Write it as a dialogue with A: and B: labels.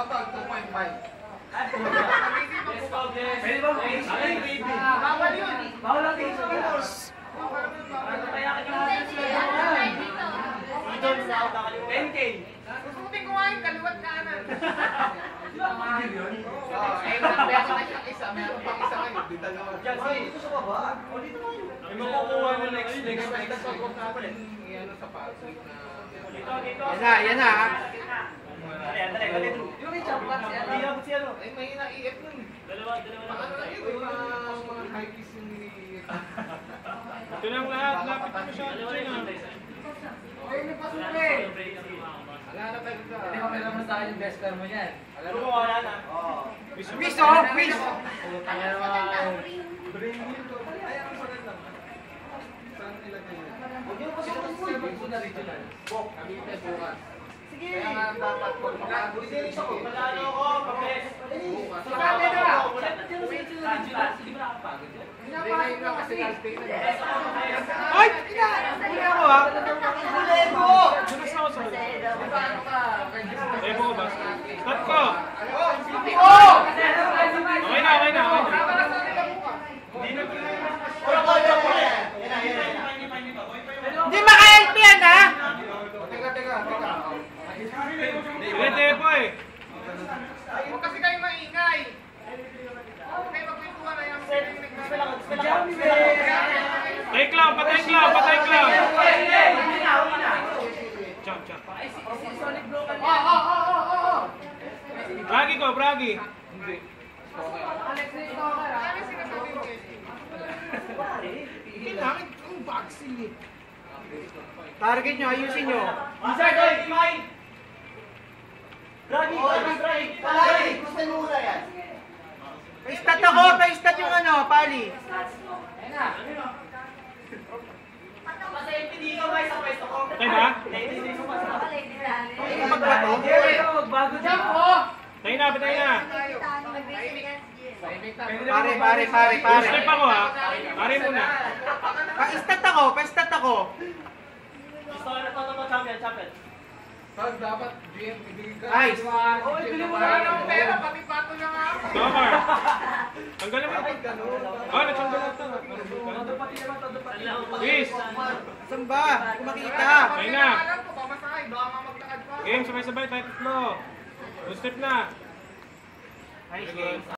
A: tol, 2.5.
B: Pwede ba?
A: Bawal yun.
B: Bawal ang tingin sa Ito na ako kakalimutan. 10K.
A: Susutin ko nga yung kaliwat kanan.
B: Di ba mahal yun?
A: Meron na siyang isa. Meron pang isa kayo. Di dalawa.
B: Dito sa baba. O dito na yun. May makukuha mo next.
A: Huwag natin i-ano sa password na...
B: Dito.
C: Yan na.
B: Dali. Yung may champion si ano?
A: Ay, may ina-iit nun.
B: Dalawa.
A: Paano na yun? Mga high kiss yung ni-iit.
D: Ito lang lahat, lapit mo siya.
A: Ay, may pasukin! Wala na tayo sa...
B: Hindi mo kailangan sa akin yung best pair mo yan.
A: Alam mo,
B: wala na.
C: Quiz oh, quiz!
B: Putang na naman.
A: brain yun to. Ay, ang maganda. Saan nilagay yun?
B: Huwag niyo pasukin mo. Regional.
A: Kami tayo bukas. Kaya nga dapat kung makakagulisilis ako.
B: Magkano ako? Pabes.
A: Bukas.
B: Sabi na! Hindi ba nakapagod yun?
A: Hindi ngayon lang kasi last day na.
C: Ay! Huli ako ha!
B: Huli mo!
D: Dunas ako sa ulit.
A: Paano ka?
D: Eh, mo ba? Start ko!
A: Oh!
D: Okay na.
B: Hindi na
C: Hindi maka-help yan ha!
A: Teka.
D: Pwede po eh.
A: Huwag kasi kayo maingay. Huwag kayo magpintuan na yung
D: Patay clown. Jump. Bragi. Hindi.
C: Kailangan kong vaccine eh. Target nyo, ayusin nyo.
B: Isar, doy! Kimain! Dragi! Gusto mo muna yan?
C: Pa-stat ako, pa-stat yung ano, pali.
B: Ayun na. Kasi hindi ka may sa pwesto ko.
D: Tayo ba?
B: Hindi ko mas
C: Magbato?
B: Magbago dyan po!
D: Tayo na.
C: Pare.
D: Step ako ha. Pare muna.
C: Pa-stat ako.
B: Gusto ko na ito ng champion.
A: Tag, dapat GM ibigay ka.
C: Nice.
A: Oh, ibigay mo na ng pera, pati pato na nga ako.
D: Tomar. Tanggalin mo.
A: Ay, ganun.
D: Natanggal na ito.
B: Todo pati naman.
D: Peace.
C: Saan ba? Kumakita.
D: Tayo na.
A: Alam ko, pamasahe, baka maglakad pa.
D: Game, sabay-sabay. Tayo tatlo. 2 step na.
C: Nice game.